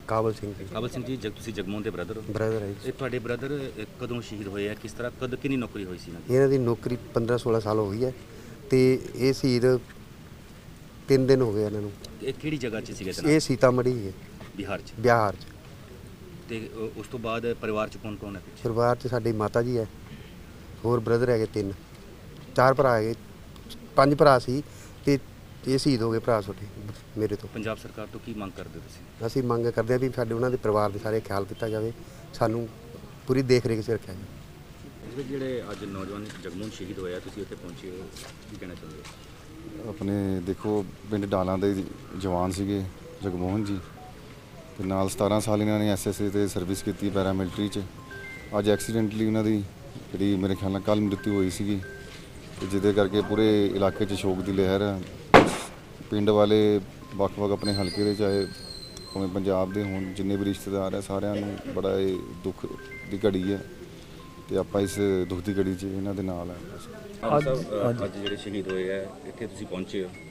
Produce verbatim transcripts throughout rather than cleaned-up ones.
ਕਾਬਲ ਸਿੰਘ ਜੀ। ਕਾਬਲ ਸਿੰਘ ਜੀ, ਜਗ ਤੁਸੀਂ ਜਗਮੋਹਨ ਦੇ ਬ੍ਰਦਰ ਹੋ। ਬ੍ਰਦਰ ਹੈ ਜੀ। ਇਹ ਤੁਹਾਡੇ ਬ੍ਰਦਰ ਕਦੋਂ ਸ਼ਹੀਦ ਹੋਏ ਆ, ਕਿਸ ਤਰ੍ਹਾਂ, ਕਦ ਕਿੰਨੀ ਨੌਕਰੀ ਹੋਈ ਸੀ ਇਹਨਾਂ ਦੀ? ਇਹਨਾਂ ਦੀ ਨੌਕਰੀ ਪੰਦਰਾਂ ਸੋਲਾਂ ਸਾਲ ਹੋ ਗਈ ਹੈ ਤੇ ਇਹ ਸ਼ਹੀਦ ਤਿੰਨ ਦਿਨ ਹੋ ਗਏ ਇਹਨਾਂ ਨੂੰ। ਇਹ ਕਿਹੜੀ ਜਗ੍ਹਾ 'ਚ ਸੀਗੇ? ਇਹ ਸੀਤਾਮੜੀ ਹੈ, ਬਿਹਾਰ 'ਚ। ਬਿਹਾਰ 'ਚ। ਤੇ ਅ, ਉਸ ਤੋਂ ਬਾਅਦ ਪਰਿਵਾਰ 'ਚ ਕੌਣ ਕੌਣ ਹੈ ਪਿੱਛੇ? ਪਰਿਵਾਰ 'ਚ ਸਾਡੀ ਮਾਤਾ ਜੀ ਹੈ, ਹੋਰ ਬ੍ਰਦਰ ਹੈਗੇ ਤਿੰਨ, ਚਾਰ ਭਰਾ ਹੈਗੇ, ਪੰਜ ਭਰਾ ਸੀ ਤੇ ਇਹ ਸ਼ਹੀਦ ਹੋ ਗਏ ਭਰਾ ਛੋਟੇ ਮੇਰੇ ਤੋਂ। ਪੰਜਾਬ ਸਰਕਾਰ ਤੋਂ ਕੀ ਮੰਗ ਕਰਦੇ ਹੋ ਤੁਸੀਂ? ਅਸੀਂ ਮੰਗ ਕਰਦੇ ਹਾਂ ਵੀ ਸਾਡੇ ਉਹਨਾਂ ਦੇ ਪਰਿਵਾਰ ਦੇ ਸਾਰੇ ਖਿਆਲ ਕੀਤਾ ਜਾਵੇ, ਸਾਨੂੰ ਪੂਰੀ ਦੇਖ ਰੇਖ 'ਚ ਰੱਖਿਆ ਜਾਵੇ। ਇਸ ਵਿੱਚ ਜਿਹੜੇ ਅੱਜ ਨੌਜਵਾਨ ਜਗਮੋਹਨ ਸ਼ਹੀਦ ਹੋਇਆ, ਤੁਸੀਂ ਉੱਥੇ ਪਹੁੰਚੇ ਹੋ, ਕੀ ਕਹਿਣਾ ਚਾਹੁੰਦੇ ਹੋ? ਆਪਣੇ ਦੇਖੋ ਪਿੰਡ ਡਾਲਾਂ ਦੇ ਜਵਾਨ ਸੀਗੇ ਜਗਮੋਹਨ ਜੀ, ਤੇ ਨਾਲ ਸਤਾਰਾਂ ਸਾਲ ਇਹਨਾਂ ਨੇ ਐਸਐਸਏ ਤੇ ਸਰਵਿਸ ਕੀਤੀ ਪੈਰਾ ਮਿਲਟਰੀ 'ਚ। ਅੱਜ ਐਕਸੀਡੈਂਟਲੀ ਉਹਨਾਂ ਦੀ ਜਿਹੜੀ ਮੇਰੇ ਖਿਆਲ ਨਾਲ ਕੱਲ੍ਹ ਮ੍ਰਿਤੂ ਹੋਈ ਸੀਗੀ, ਤੇ ਜਿਹਦੇ ਕਰਕੇ ਪੂਰੇ ਇਲਾਕੇ 'ਚ ਸ਼ੋਕ ਦੀ ਲਹਿਰ ਹੈ। ਪਿੰਡ ਵਾਲੇ ਵੱਖ-ਵੱਖ ਆਪਣੇ ਹਲਕੇ ਦੇ, ਚਾਹੇ ਭਾਵੇਂ ਪੰਜਾਬ ਦੇ ਹੋਣ, ਜਿੰਨੇ ਵੀ ਰਿਸ਼ਤੇਦਾਰ ਹੈ, ਸਾਰਿਆਂ ਨੂੰ ਬੜਾ ਇਹ ਦੁੱਖ ਦੀ ਘੜੀ ਹੈ ਤੇ ਆਪਾਂ ਇਸ ਦੁੱਖ ਦੀ ਘੜੀ 'ਚ ਇਹਨਾਂ ਦੇ ਨਾਲ ਹੈ। ਅੱਜ ਅੱਜ ਜਿਹੜੇ ਸ਼ਹੀਦ ਹੋਏ ਆ, ਇੱਥੇ ਤੁਸੀਂ ਪਹੁੰਚੇ ਹੋ।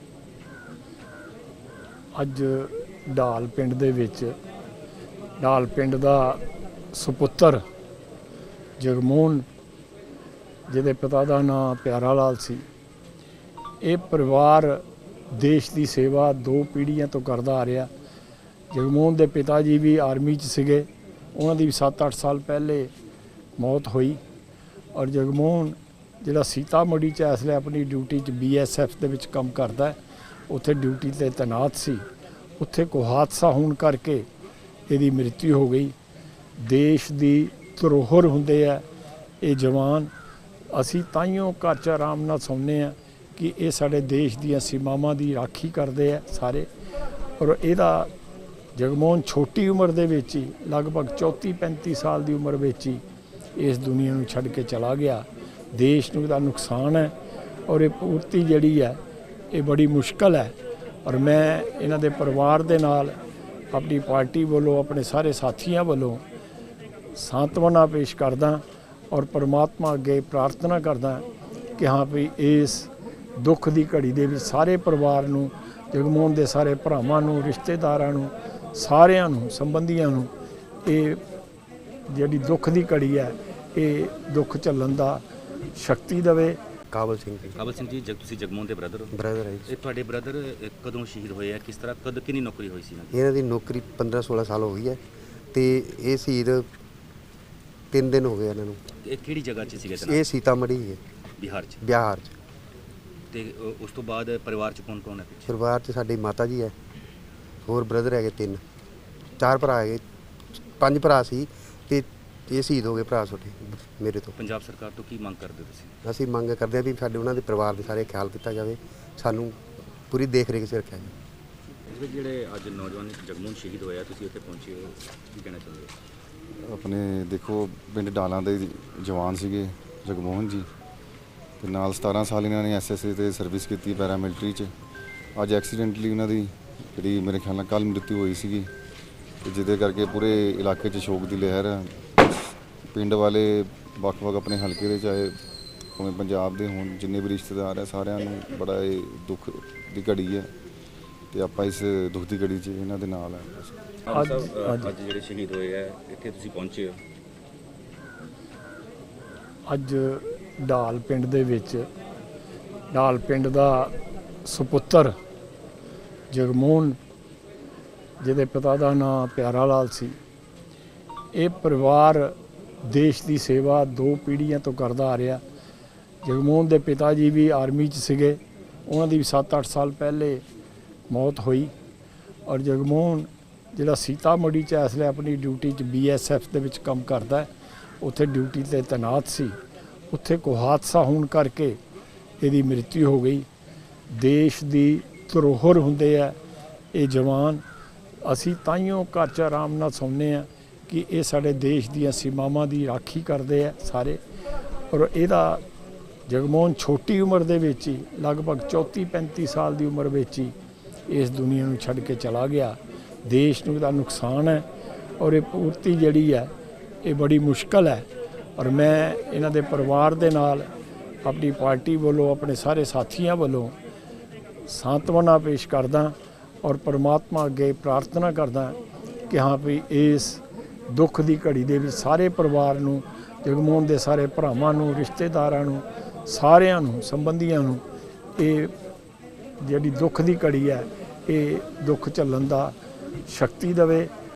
ਅੱਜ ਢਾਲ ਪਿੰਡ ਦੇ ਵਿੱਚ ਢਾਲ ਪਿੰਡ ਦਾ ਸੁਪੁੱਤਰ ਜਗਮੋਹਨ, ਜਿਹਦੇ ਪਿਤਾ ਦਾ ਨਾਂ ਪਿਆਰਾ ਲਾਲ ਸੀ, ਇਹ ਪਰਿਵਾਰ ਦੇਸ਼ ਦੀ ਸੇਵਾ ਦੋ ਪੀੜ੍ਹੀਆਂ ਤੋਂ ਕਰਦਾ ਆ ਰਿਹਾ। ਜਗਮੋਹਨ ਦੇ ਪਿਤਾ ਜੀ ਵੀ ਆਰਮੀ 'ਚ ਸੀਗੇ, ਉਹਨਾਂ ਦੀ ਵੀ ਸੱਤ ਅੱਠ ਸਾਲ ਪਹਿਲੇ ਮੌਤ ਹੋਈ। ਔਰ ਜਗਮੋਹਨ ਜਿਹੜਾ ਸੀਤਾਮੜੀ 'ਚ ਇਸ ਵੇਲੇ ਆਪਣੀ ਡਿਊਟੀ 'ਚ ਬੀ ਐਸ ਐਫ ਦੇ ਵਿੱਚ ਕੰਮ ਕਰਦਾ ਹੈ, ਉੱਥੇ ਡਿਊਟੀ 'ਤੇ ਤੈਨਾਤ ਸੀ। ਉੱਥੇ ਕੋਈ ਹਾਦਸਾ ਹੋਣ ਕਰਕੇ ਇਹਦੀ ਮ੍ਰਿਤੂ ਹੋ ਗਈ। ਦੇਸ਼ ਦੀ ਧਰੋਹਰ ਹੁੰਦੇ ਆ ਇਹ ਜਵਾਨ। ਅਸੀਂ ਤਾਈਓ ਘਰ 'ਚ ਆਰਾਮ ਨਾਲ ਸੌਂਦੇ ਹਾਂ ਕਿ ਇਹ ਸਾਡੇ ਦੇਸ਼ ਦੀਆਂ ਸੀਮਾਵਾਂ ਦੀ ਰਾਖੀ ਕਰਦੇ ਆ ਸਾਰੇ। ਔਰ ਇਹਦਾ ਜਗਮੋਹਨ ਛੋਟੀ ਉਮਰ ਦੇ ਵਿੱਚ ਹੀ, ਲਗਭਗ ਚੌਂਤੀ ਪੈਂਤੀ ਸਾਲ ਦੀ ਉਮਰ ਵਿੱਚ ਹੀ ਇਸ ਦੁਨੀਆ ਨੂੰ ਛੱਡ ਕੇ ਚਲਾ ਗਿਆ। ਦੇਸ਼ ਨੂੰ ਇਹਦਾ ਨੁਕਸਾਨ ਹੈ ਔਰ ਇਹ ਪੂਰਤੀ ਜਿਹੜੀ ਹੈ ਇਹ ਬੜੀ ਮੁਸ਼ਕਲ ਹੈ। ਔਰ ਮੈਂ ਇਹਨਾਂ ਦੇ ਪਰਿਵਾਰ ਦੇ ਨਾਲ ਆਪਣੀ ਪਾਰਟੀ ਵੱਲੋਂ, ਆਪਣੇ ਸਾਰੇ ਸਾਥੀਆਂ ਵੱਲੋਂ ਸਾਂਤਵਨਾ ਪੇਸ਼ ਕਰਦਾ ਔਰ ਪਰਮਾਤਮਾ ਅੱਗੇ ਪ੍ਰਾਰਥਨਾ ਕਰਦਾ ਕਿ ਹਾਂ ਵੀ ਇਸ ਦੁੱਖ ਦੀ ਘੜੀ ਦੇ ਵਿੱਚ ਸਾਰੇ ਪਰਿਵਾਰ ਨੂੰ, ਜਗਮੋਹਨ ਦੇ ਸਾਰੇ ਭਰਾਵਾਂ ਨੂੰ, ਰਿਸ਼ਤੇਦਾਰਾਂ ਨੂੰ, ਸਾਰਿਆਂ ਨੂੰ, ਸੰਬੰਧੀਆਂ ਨੂੰ ਇਹ ਜਿਹੜੀ ਦੁੱਖ ਦੀ ਘੜੀ ਹੈ ਇਹ ਦੁੱਖ ਝੱਲਣ ਦਾ ਸ਼ਕਤੀ ਦੇਵੇ। ਕਾਬਲ ਸਿੰਘ ਜੀ। ਕਾਬਲ ਸਿੰਘ ਜੀ, ਜਗ ਤੁਸੀਂ ਜਗਮੋਹਨ ਦੇ ਬ੍ਰਦਰ ਹੋ। ਬ੍ਰਦਰ ਹੈ ਜੀ। ਇਹ ਤੁਹਾਡੇ ਬ੍ਰਦਰ ਕਦੋਂ ਸ਼ਹੀਦ ਹੋਏ ਆ, ਕਿਸ ਤਰ੍ਹਾਂ, ਕਦ ਕਿੰਨੀ ਨੌਕਰੀ ਹੋਈ ਸੀ ਇਹਨਾਂ ਦੀ? ਇਹਨਾਂ ਦੀ ਨੌਕਰੀ ਪੰਦਰਾਂ ਸੋਲਾਂ ਸਾਲ ਹੋ ਗਈ ਹੈ ਤੇ ਇਹ ਸ਼ਹੀਦ ਤਿੰਨ ਦਿਨ ਹੋ ਗਏ ਇਹਨਾਂ ਨੂੰ। ਇਹ ਕਿਹੜੀ ਜਗ੍ਹਾ 'ਚ ਸੀਗੇ? ਇਹ ਸੀਤਾਮੜੀ ਹੈ, ਬਿਹਾਰ 'ਚ। ਬਿਹਾਰ 'ਚ। ਤੇ ਅ, ਉਸ ਤੋਂ ਬਾਅਦ ਪਰਿਵਾਰ 'ਚ ਕੌਣ ਕੌਣ ਹੈ ਪਿੱਛੇ? ਪਰਿਵਾਰ 'ਚ ਸਾਡੀ ਮਾਤਾ ਜੀ ਹੈ, ਹੋਰ ਬ੍ਰਦਰ ਹੈਗੇ ਤਿੰਨ, ਚਾਰ ਭਰਾ ਹੈਗੇ, ਪੰਜ ਭਰਾ ਸੀ ਤੇ ਇਹ ਸ਼ਹੀਦ ਹੋ ਗਏ ਭਰਾ ਛੋਟੇ ਮੇਰੇ ਤੋਂ। ਪੰਜਾਬ ਸਰਕਾਰ ਤੋਂ ਕੀ ਮੰਗ ਕਰਦੇ ਹੋ ਤੁਸੀਂ? ਅਸੀਂ ਮੰਗ ਕਰਦੇ ਹਾਂ ਵੀ ਸਾਡੇ ਉਹਨਾਂ ਦੇ ਪਰਿਵਾਰ ਦੇ ਸਾਰੇ ਖਿਆਲ ਕੀਤਾ ਜਾਵੇ, ਸਾਨੂੰ ਪੂਰੀ ਦੇਖ ਰੇਖ 'ਚ ਰੱਖਿਆ ਜਾਵੇ। ਇਸ ਵਿੱਚ ਜਿਹੜੇ ਅੱਜ ਨੌਜਵਾਨ ਜਗਮੋਹਨ ਸ਼ਹੀਦ ਹੋਇਆ, ਤੁਸੀਂ ਉੱਥੇ ਪਹੁੰਚੇ ਹੋ, ਕੀ ਕਹਿਣਾ ਚਾਹੁੰਦੇ ਹੋ? ਆਪਣੇ ਦੇਖੋ ਪਿੰਡ ਡਾਲਾਂ ਦੇ ਜਵਾਨ ਸੀਗੇ ਜਗਮੋਹਨ ਜੀ, ਤੇ ਨਾਲ ਸਤਾਰਾਂ ਸਾਲ ਇਹਨਾਂ ਨੇ ਐਸਐਸਏ ਤੇ ਸਰਵਿਸ ਕੀਤੀ ਪੈਰਾ ਮਿਲਟਰੀ 'ਚ। ਅੱਜ ਐਕਸੀਡੈਂਟਲੀ ਉਹਨਾਂ ਦੀ ਜਿਹੜੀ ਮੇਰੇ ਖਿਆਲ ਨਾਲ ਕੱਲ੍ਹ ਮ੍ਰਿਤੂ ਹੋਈ ਸੀਗੀ, ਤੇ ਜਿਹਦੇ ਕਰਕੇ ਪੂਰੇ ਇਲਾਕੇ 'ਚ ਸ਼ੋਕ ਦੀ ਲਹਿਰ ਹੈ। ਪਿੰਡ ਵਾਲੇ ਵੱਖ-ਵੱਖ ਆਪਣੇ ਹਲਕੇ ਦੇ, ਚਾਹੇ ਭਾਵੇਂ ਪੰਜਾਬ ਦੇ ਹੋਣ, ਜਿੰਨੇ ਵੀ ਰਿਸ਼ਤੇਦਾਰ ਹੈ, ਸਾਰਿਆਂ ਨੂੰ ਬੜਾ ਇਹ ਦੁੱਖ ਦੀ ਘੜੀ ਹੈ ਤੇ ਆਪਾਂ ਇਸ ਦੁੱਖ ਦੀ ਘੜੀ 'ਚ ਇਹਨਾਂ ਦੇ ਨਾਲ ਹੈ। ਅੱਜ ਅੱਜ ਜਿਹੜੇ ਸ਼ਹੀਦ ਹੋਏ ਆ, ਇੱਥੇ ਤੁਸੀਂ ਪਹੁੰਚੇ ਹੋ। ਅੱਜ ਢਾਲ ਪਿੰਡ ਦੇ ਵਿੱਚ ਢਾਲ ਪਿੰਡ ਦਾ ਸੁਪੁੱਤਰ ਜਗਮੋਹਨ, ਜਿਹਦੇ ਪਿਤਾ ਦਾ ਨਾਂ ਪਿਆਰਾ ਲਾਲ ਸੀ, ਇਹ ਪਰਿਵਾਰ ਦੇਸ਼ ਦੀ ਸੇਵਾ ਦੋ ਪੀੜ੍ਹੀਆਂ ਤੋਂ ਕਰਦਾ ਆ ਰਿਹਾ। ਜਗਮੋਹਨ ਦੇ ਪਿਤਾ ਜੀ ਵੀ ਆਰਮੀ 'ਚ ਸੀਗੇ, ਉਹਨਾਂ ਦੀ ਵੀ ਸੱਤ ਅੱਠ ਸਾਲ ਪਹਿਲੇ ਮੌਤ ਹੋਈ। ਔਰ ਜਗਮੋਹਨ ਜਿਹੜਾ ਸੀਤਾਮੜੀ 'ਚ ਇਸ ਵੇਲੇ ਆਪਣੀ ਡਿਊਟੀ 'ਚ ਬੀ ਐਸ ਐਫ ਦੇ ਵਿੱਚ ਕੰਮ ਕਰਦਾ ਹੈ, ਉੱਥੇ ਡਿਊਟੀ 'ਤੇ ਤੈਨਾਤ ਸੀ। ਉੱਥੇ ਕੋਈ ਹਾਦਸਾ ਹੋਣ ਕਰਕੇ ਇਹਦੀ ਮ੍ਰਿਤੂ ਹੋ ਗਈ। ਦੇਸ਼ ਦੀ ਧਰੋਹਰ ਹੁੰਦੇ ਆ ਇਹ ਜਵਾਨ। ਅਸੀਂ ਤਾਈਓ ਘਰ 'ਚ ਆਰਾਮ ਨਾਲ ਸੌਂਦੇ ਹਾਂ ਕਿ ਇਹ ਸਾਡੇ ਦੇਸ਼ ਦੀਆਂ ਸੀਮਾਵਾਂ ਦੀ ਰਾਖੀ ਕਰਦੇ ਆ ਸਾਰੇ। ਔਰ ਇਹਦਾ ਜਗਮੋਹਨ ਛੋਟੀ ਉਮਰ ਦੇ ਵਿੱਚ ਹੀ, ਲਗਭਗ ਚੌਂਤੀ ਪੈਂਤੀ ਸਾਲ ਦੀ ਉਮਰ ਵਿੱਚ ਹੀ ਇਸ ਦੁਨੀਆ ਨੂੰ ਛੱਡ ਕੇ ਚਲਾ ਗਿਆ। ਦੇਸ਼ ਨੂੰ ਇਹਦਾ ਨੁਕਸਾਨ ਹੈ ਔਰ ਇਹ ਪੂਰਤੀ ਜਿਹੜੀ ਹੈ ਇਹ ਬੜੀ ਮੁਸ਼ਕਲ ਹੈ। ਔਰ ਮੈਂ ਇਹਨਾਂ ਦੇ ਪਰਿਵਾਰ ਦੇ ਨਾਲ ਆਪਣੀ ਪਾਰਟੀ ਵੱਲੋਂ, ਆਪਣੇ ਸਾਰੇ ਸਾਥੀਆਂ ਵੱਲੋਂ ਸਾਂਤਵਨਾ ਪੇਸ਼ ਕਰਦਾ ਔਰ ਪਰਮਾਤਮਾ ਅੱਗੇ ਪ੍ਰਾਰਥਨਾ ਕਰਦਾ ਕਿ ਹਾਂ ਵੀ ਇਸ ਦੁੱਖ ਦੀ ਘੜੀ ਦੇ ਵਿੱਚ ਸਾਰੇ ਪਰਿਵਾਰ ਨੂੰ, ਜਗਮੋਹਨ ਦੇ ਸਾਰੇ ਭਰਾਵਾਂ ਨੂੰ, ਰਿਸ਼ਤੇਦਾਰਾਂ ਨੂੰ, ਸਾਰਿਆਂ ਨੂੰ, ਸੰਬੰਧੀਆਂ ਨੂੰ ਇਹ ਜਿਹੜੀ ਦੁੱਖ ਦੀ ਘੜੀ ਹੈ ਇਹ ਦੁੱਖ ਝੱਲਣ ਦਾ ਸ਼ਕਤੀ ਦੇਵੇ